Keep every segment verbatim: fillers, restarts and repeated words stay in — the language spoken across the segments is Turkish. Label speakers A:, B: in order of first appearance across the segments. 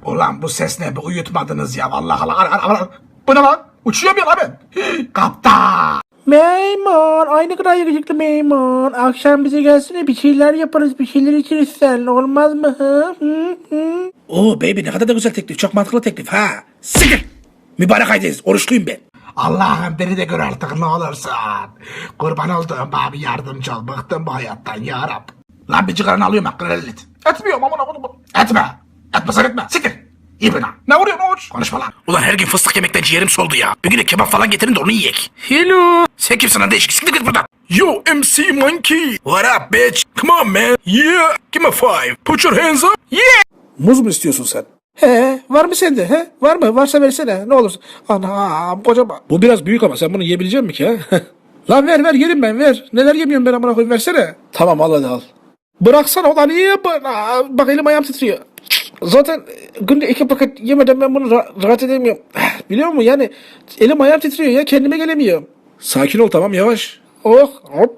A: Ulan bu ses ne? Bir uyutmadınız ya. Vallahi Allah. Bu ne lan? Uçuyor mu ya lan ben? Kaptan.
B: Memur, aynı kadar yakışıklı memur. Akşam bize gelsene, bir şeyler yaparız, bir şeyler içeriz sen. Olmaz mı? Hı? Hı? Hı?
C: Oo baby, ne kadar da güzel teklif. Çok mantıklı teklif ha. Siktir. Mübarek aydayız. Oruçluyum ben.
A: Allah'ım beni de gör artık ne olursun. Kurban olduğum abi yardımcı ol. Bıktım bu hayattan ya Rab. Lan bir cigaranı alıyorum hakkını helal et. Etmiyorum amına kodumu. Etme. Etmesen etme. Siktir. İyi bina. Ne vuruyorsun oğuz? Konuşma lan.
C: Ulan her gün fıstık yemekten ciğerim soldu ya. Bir gün de kebap falan getirin de onu yiyek.
B: Hello.
C: Sen kimsin lan değişik? Siktir git buradan. Yo M C Monkey. What up bitch? Come on man. Yeah. Give me five. Put your hands up. Yeah. Muz mu istiyorsun sen?
B: He, var mı sende? He? Var mı? Varsa versene. Ne olursun. Anam kocaman.
C: Bu biraz büyük ama sen bunu yiyebilecek misin ki ha?
B: Lan ver ver, yerim ben, ver. Neler yemiyorum ben, amına koyayım, versene.
C: Tamam al hadi al.
B: Bıraksana ulan, niye bana? Bak elim ayağım titriyor. Zaten günde iki paket yemeden ben bunu ra- rahat edemiyorum. Biliyor musun yani, elim ayağım titriyor ya, kendime gelemiyorum.
C: Sakin ol tamam, yavaş.
B: Oh hop.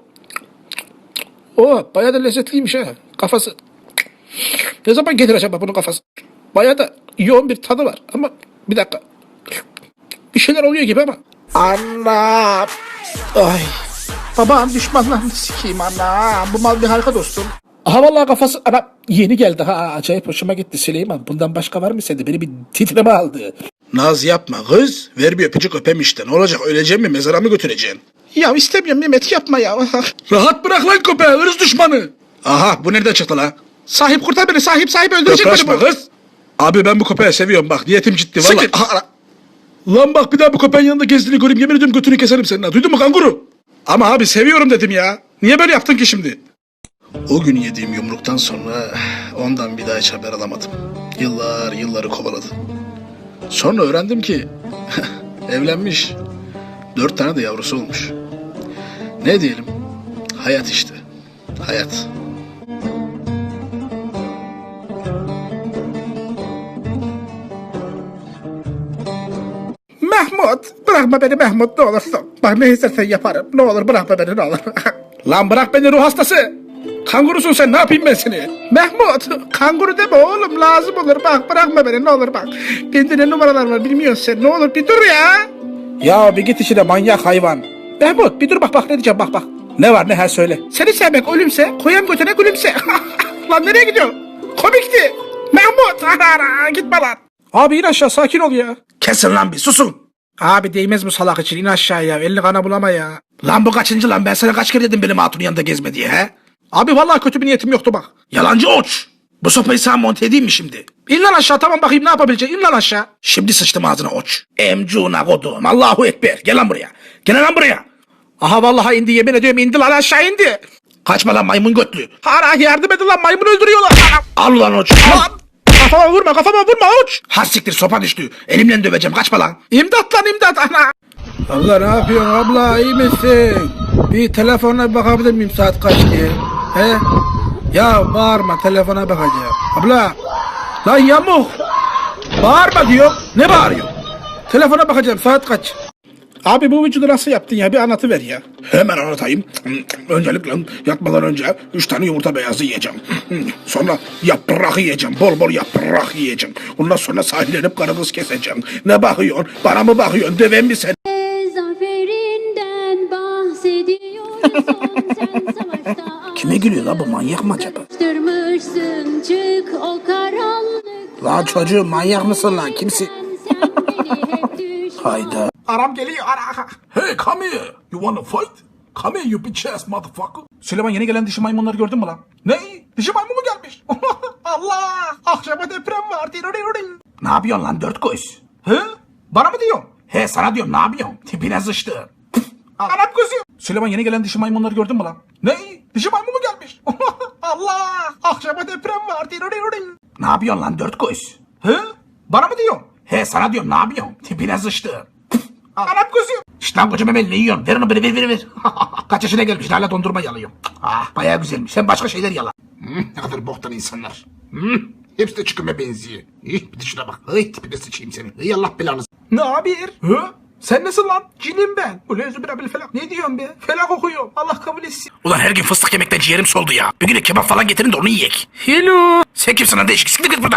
B: Oh bayağı da lezzetliymiş ha kafası. Ne zaman gelir acaba bunun kafası? Bayağı da yoğun bir tadı var ama bir dakika. Bir şeyler oluyor gibi ama. Anam. Ay. Babam düşmanlarını sikeyim anam. Bu mal bir harika dostum. Aha vallahi kafası ana yeni geldi ha, acayip hoşuma gitti Süleyman. Bundan başka var mı sende? Beni bir titreme aldı.
C: Naz yapma kız. Ver bir öpücük öpem işte. Ne olacak, öleceğim mi, mezara mı götüreceksin?
B: Ya istemiyorum Mehmet, yapma ya.
C: Rahat bırak lan köpeği, hırs düşmanı. Aha bu nereden çıktı la?
B: Sahip kurtar beni, sahip sahip öldürecek beni
C: Yaklaşma
B: bu.
C: kız. Abi ben bu köpeği seviyorum bak, niyetim ciddi valla.
B: Siktir.
C: Aha, ana. Lan bak bir daha bu köpeğin yanında gezdiğini göreyim, yemin ediyorum götünü keserim senin ha. Duydun mu kanguru? Ama abi seviyorum dedim ya. Niye böyle yaptın ki şimdi? O gün yediğim yumruktan sonra ondan bir daha hiç haber alamadım. Yıllar yılları kovaladı. Sonra öğrendim ki evlenmiş. Dört tane de yavrusu olmuş. Ne diyelim? Hayat işte. Hayat.
B: Mahmut, bırakma beni Mahmut, ne olursun. Bak ne istersen yaparım. Ne olur bırakma beni, ne olur.
C: Lan bırak beni ruh hastası. Kangurusun sen, ne yapayım ben seni?
B: Mahmut, kanguru deme oğlum, lazım olur. Bak bırakma beni, ne olur bak. Bende ne numaralar var bilmiyorsun sen. Ne olur bir dur ya.
C: Ya bir git işine manyak hayvan.
B: Mahmut bir dur, bak bak ne diyeceğim, bak bak.
C: Ne var ne, her söyle.
B: Seni sevmek ölümse, koyam götüne gülümse. Lan nereye gidiyorsun? Komikti. Mahmut, ara, gitme lan. Abi in aşağı, sakin ol ya.
C: Kesin lan bir susun.
B: Abi değmez bu salak için, in aşağıya. Elini kana bulama ya.
C: Lan bu kaçıncı lan, ben sana kaç kere dedim benim hatunun yanında gezme diye he?
B: Abi vallahi kötü bir niyetim yoktu bak.
C: Yalancı oç. Bu sopayı sana monte edeyim mi şimdi?
B: İn lan aşağı, tamam bakayım ne yapabilecek. İn lan aşağı.
C: Şimdi sıçtım ağzına oç. Emcuna kodum. Allahu Ekber. Gel lan buraya. Gel lan buraya.
B: Aha vallahi indi, yemin ediyorum indi lan, aşağı indi.
C: Kaçma lan maymun götlü.
B: Ara yardım edin lan, maymun öldürüyorlar.
C: Al ulan oç. Al.
B: Lan kafama vurma, kafama vurma uç.
C: Ha siktir, sopa düştü. Elimle döveceğim, kaçma lan.
B: İmdat lan imdat ana. Abla ne yapıyorsun abla, iyi misin? Bir telefona bir bakabilir miyim saat kaç diye? He? Ya bağırma, telefona bakacağım. Abla. Lan yamuk. Bağırma diyor.
C: Ne bağırıyor?
B: Telefona bakacağım, saat kaç? Abi bu vücudu nasıl yaptın ya, bir anlatıver ya.
C: Hemen anlatayım. Öncelikle yatmadan önce üç tane yumurta beyazı yiyeceğim. Sonra yaprak yiyeceğim. Bol bol yaprak yiyeceğim. Ondan sonra sahillenip karı kız keseceğim. Ne bakıyorsun? Bana mı bakıyorsun? Döven mi sen?
D: Zaferinden bahsediyorsun sen savaşta.
C: Kime gülüyor la bu, manyak mı acaba?
D: Açtırmışsın çık o karanlık.
C: Lan çocuğum, manyak mısın lan? Kimsin?
D: Sen beni hep düş.
C: Hayda.
A: Aram geliyor ara.
C: Hey come here. You wanna fight? Come here you bitch ass motherfucker.
A: Süleyman yeni gelen dişi maymunları gördün mü lan? Ne? Dişi maymun mu gelmiş? Allah! Akşama deprem var. Ne yapıyorsun lan dört göz? He? Bana mı diyorsun? He sana diyorum, ne yapıyorsun? Tipine sıçtı. Anam kızıyor. Süleyman yeni gelen dişi maymunları gördün mü lan? Ne? Dişi maymun mu gelmiş? Allah! Akşama deprem var. Ne yapıyorsun lan dört göz? He? Bana mı diyorsun? He sana diyorum, ne yapıyorsun? Tipine sıçtı. Anam kızıyor. İşte lan koca memeli ne yiyorsun? Ver onu beni, ver ver ver. Kaç yaşına gelmiş hala dondurma yalıyor. Ah bayağı güzelmiş. Sen başka şeyler yala. Hmm, ne kadar boktan insanlar. Hmm, hepsi de çıkıma benziyor. İh, bir de şuna bak. Ay tipine sıçayım seni. Ey Allah belanı. Ne haber? Hı? Sen nasıl lan? Cinim ben. Ulan zübirabil felak. Ne diyorsun be? Felak okuyorum. Allah kabul etsin.
C: Ulan her gün fıstık yemekten ciğerim soldu ya. Bir gün de kebap falan getirin de onu yiyek.
B: Hello.
C: Sen kimsin lan değişik? Siktir git buradan.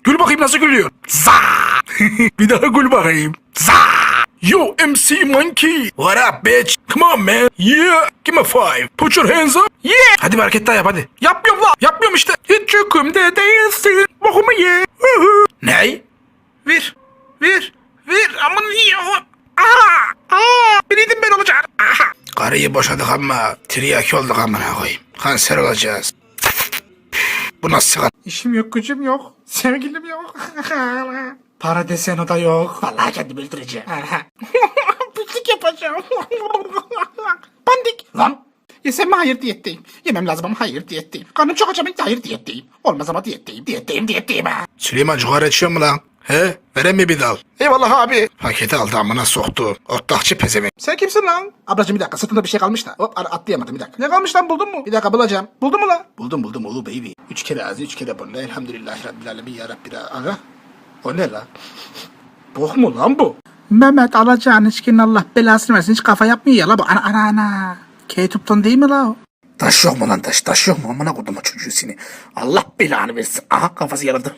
C: Gül bakayım nasıl gülüyor. Za. Bir daha gül bakayım. Za. Yo M C Monkey. What up bitch? Come on man. Yeah. Give me five. Put your hands up. Yeah. Hadi bir hareket daha yap hadi. Yapmıyorum lan. Yapmıyorum işte. Hiç yükümde değilsin. Bokumu ye. Ney? Ver. Ver. Ver. Aman ya. Aha. Aa. Biliydim ben olacağım. Aha. Karıyı boşadık ama tiryaki olduk amına koyayım. Kanser olacağız. Bu nasıl sigara?
A: İşim yok, gücüm yok. Sevgilim yok. Para desen o da yok. Vallahi kendimi öldüreceğim. Pislik yapacağım. Pandik. Lan. Yesem mi hayır diyetteyim. Yemem lazım ama hayır diyetteyim. Karnım çok acaba hayır diyetteyim. Olmaz ama diyetteyim. Diyetteyim diyetteyim ha.
C: Süleyman cigara içiyor mu lan? He? Verem mi bir dal?
A: Eyvallah abi.
C: Paketi aldı amına soktu. Otlakçı pezevenk.
A: Sen kimsin lan? Ablacığım bir dakika sırtında bir şey kalmış da. Hop ar- atlayamadım bir dakika. Ne kalmış lan buldun mu? Bir dakika bulacağım. Buldun mu lan? Buldum buldum oğlu baby. Üç kere ağzı üç kere burnu. Elhamdülillahi Rabbil alemin ya Rabbi. Aga. O ne lan? Bok mu lan bu? Mehmet alacağın içkinin Allah belasını versin. Hiç kafa yapmıyor ya la bu. Ana ana ana. K-Tup'tan değil mi la o? Taş yok mu lan taş? Taş yok mu? Amına koydum o çocuğu seni. Allah belanı versin. Aha kafası yarıldı.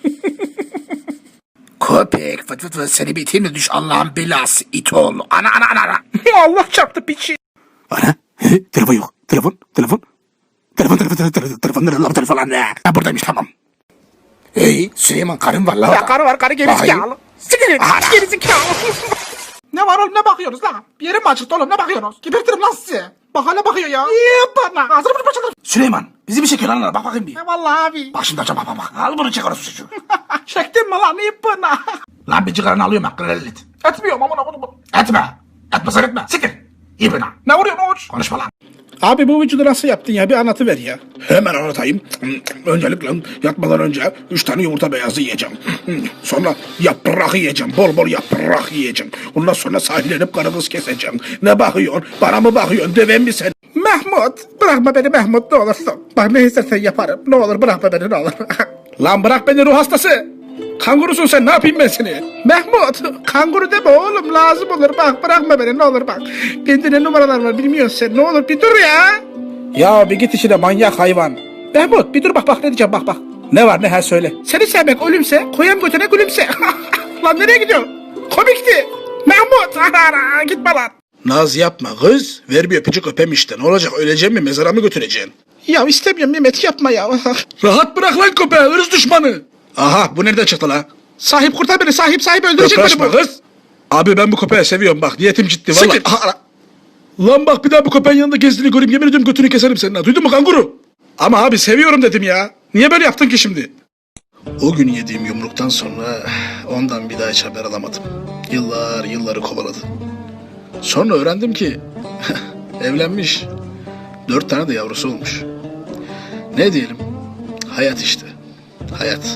A: Köpek fıt fıt fıt seni bitirme düş Allah'ın belası it oğlu. Ana ana ana ana. Allah çarptı piçi. Ana. He, telefon yok. Telefon. Telefon. Telefon telefon telefon telefon. Telefon nerede lan telefon lan ne? Ha buradaymış tamam. Hey Süleyman karın var la. Ya karı var karı gerizekalı. Siktir gerizekalı. Ne var oğlum ne bakıyorsunuz lan? Bir yerim mi açıktı oğlum ne bakıyorsunuz? Gebertirim lan sizi. Bak hala bakıyor ya. İyi bana. Ağzını bunu başlatırım. Süleyman bizi bir çekiyor lan bak bakayım bir. Vallahi abi. Bak şimdi açacağım bak bak. Al bunu çek orası çocuğu. Çektin mi lan iyi bana. Lan bir cigaranı alıyorum hakkını helal et. Etmiyorum amına koydum. Etme. Etme sen etme. Siktir. İyi bana. Ne vuruyorsun oğuz? Konuşma lan.
B: Abi bu vücudu nasıl yaptın ya? Bir anlatıver ya.
C: Hemen anlatayım. Öncelikle yatmadan önce üç tane yumurta beyazı yiyeceğim. Sonra yaprak yiyeceğim. Bol bol yaprak yiyeceğim. Ondan sonra sahillenip karagöz keseceğim. Ne bakıyorsun? Bana mı bakıyorsun? Döven mi sen?
B: Mahmut bırakma beni Mahmut ne olursun. Bak ne istersen yaparım. Ne olur bırakma beni ne olur. Lan bırak beni ruh hastası. Kangurusun sen ne yapayım ben seni? Mahmut kanguru deme oğlum lazım olur bak bırakma beni ne olur bak. Bende ne numaralar var bilmiyorsun sen ne olur bir dur ya. Ya bir git işine manyak hayvan. Mahmut bir dur bak bak ne diyeceğim bak bak. Ne var ne her söyle. Seni sevmek ölümse koyam götüne gülümse. Lan nereye gidiyorsun? Komikti. Mahmut ara, gitme lan.
C: Naz yapma kız. Ver bir öpücük öpem işte. Ne olacak öleceğim mi mezara mı götüreceksin?
B: Ya istemiyorum Mehmet yapma ya.
C: Rahat bırak lan köpeği hırs düşmanı. Aha bu nereden çıktı la?
B: Sahip kurtar beni sahip sahip öldürecek beni
C: Yaklaşma
B: bu.
C: kız. Abi ben bu köpeği seviyorum bak niyetim ciddi valla.
B: Siktir.
C: Aha, ara. Lan bak bir daha bu köpeğin yanında gezdiğini göreyim yemin ediyorum götünü keserim senin ha. Duydun mu kanguru? Ama abi seviyorum dedim ya. Niye böyle yaptın ki şimdi? O gün yediğim yumruktan sonra ondan bir daha hiç haber alamadım. Yıllar yılları kovaladı. Sonra öğrendim ki evlenmiş. Dört tane de yavrusu olmuş. Ne diyelim? Hayat işte. Hayat.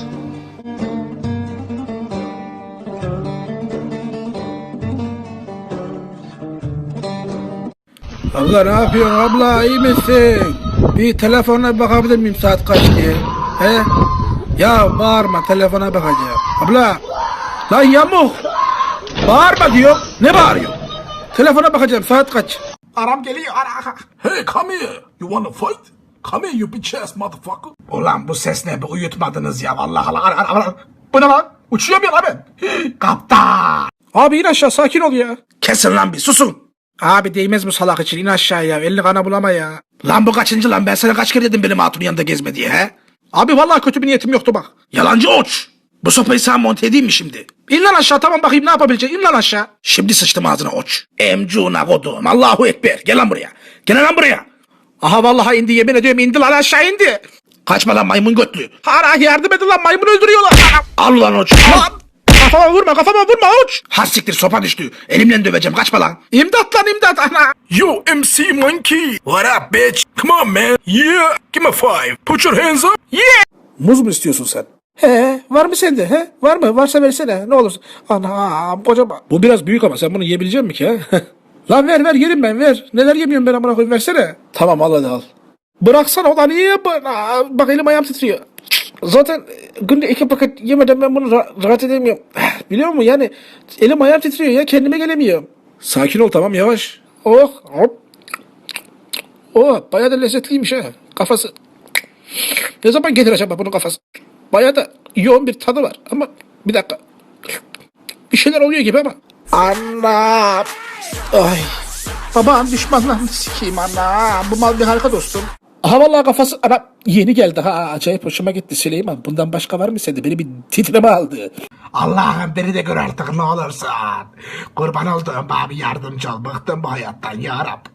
B: Abla ne yapıyorsun abla iyi misin? Bir telefona bakabilir miyim saat kaç diye? He? Ya bağırma telefona bakacağım. Abla. Lan yamuk. Bağırma diyor. Ne bağırıyor? Telefona bakacağım saat kaç?
A: Aram geliyor ara.
C: Hey come here. You wanna fight? Come here you bitch ass motherfucker.
A: Ulan bu ses ne? Bir uyutmadınız ya vallahi. Ara, ara, ara. Bu ne lan? Uçuyor ya lan ben. Kaptan.
B: Abi in aşağı sakin ol ya.
A: Kesin lan bir susun.
B: Abi değmez bu salak için in aşağıya. Elini kana bulama ya.
A: Lan bu kaçıncı lan? Ben sana kaç kere dedim benim hatunun yanında gezme diye he?
B: Abi vallahi kötü bir niyetim yoktu bak.
A: Yalancı oç. Bu sopayı sana monte edeyim mi şimdi?
B: İn lan aşağı tamam bakayım ne yapabilecek? İn lan aşağı.
A: Şimdi sıçtım ağzına oç. Emcuna kodum. Allahu Ekber. Gel lan buraya. Gel lan buraya.
B: Aha vallahi indi yemin ediyorum indi lan aşağı indi.
A: Kaçma lan maymun götlü.
B: Hara yardım edin lan maymun öldürüyorlar.
A: Al ulan oç. Al.
B: Kafama vurma kafama vurma uç.
A: Ha siktir sopa düştü. Elimle döveceğim. Kaçma lan.
B: İmdat lan imdat ana.
C: Yo M C Monkey. What up bitch? Come on man. Yeah. Give me five. Put your hands up. Yeah.
B: Muz mu istiyorsun sen? He var mı sende he? Var mı? Varsa versene ne olursun. Ana kocaman. Bu biraz büyük ama sen bunu yiyebilecek misin ki he? Lan ver ver yerim ben ver. Neler yemiyorum ben amına koyayım versene. Tamam al hadi al. Bıraksana ulan niye bana? Bak elim ayağım titriyor. Zaten günde iki paket yemeden ben bunu ra- rahat edemiyorum. Biliyor musun yani elim ayağım titriyor ya kendime gelemiyorum. Sakin ol tamam yavaş. Oh hop. Oh bayağı da lezzetliymiş ha. Kafası. Ne zaman getir acaba bunun kafası? Bayağı da yoğun bir tadı var. Ama bir dakika. Bir şeyler oluyor gibi ama. Anam. Ay. Babam düşmanlarını sikeyim anam. Bu mal bir harika dostum. Aha vallahi kafası ana yeni geldi ha, acayip hoşuma gitti Süleyman. Bundan başka var mı sende? Beni bir titreme aldı.
A: Allah'ım beni de gör artık ne olursun. Kurban olduğum bana bir yardımcı ol. Bıktım bu hayattan ya Rab.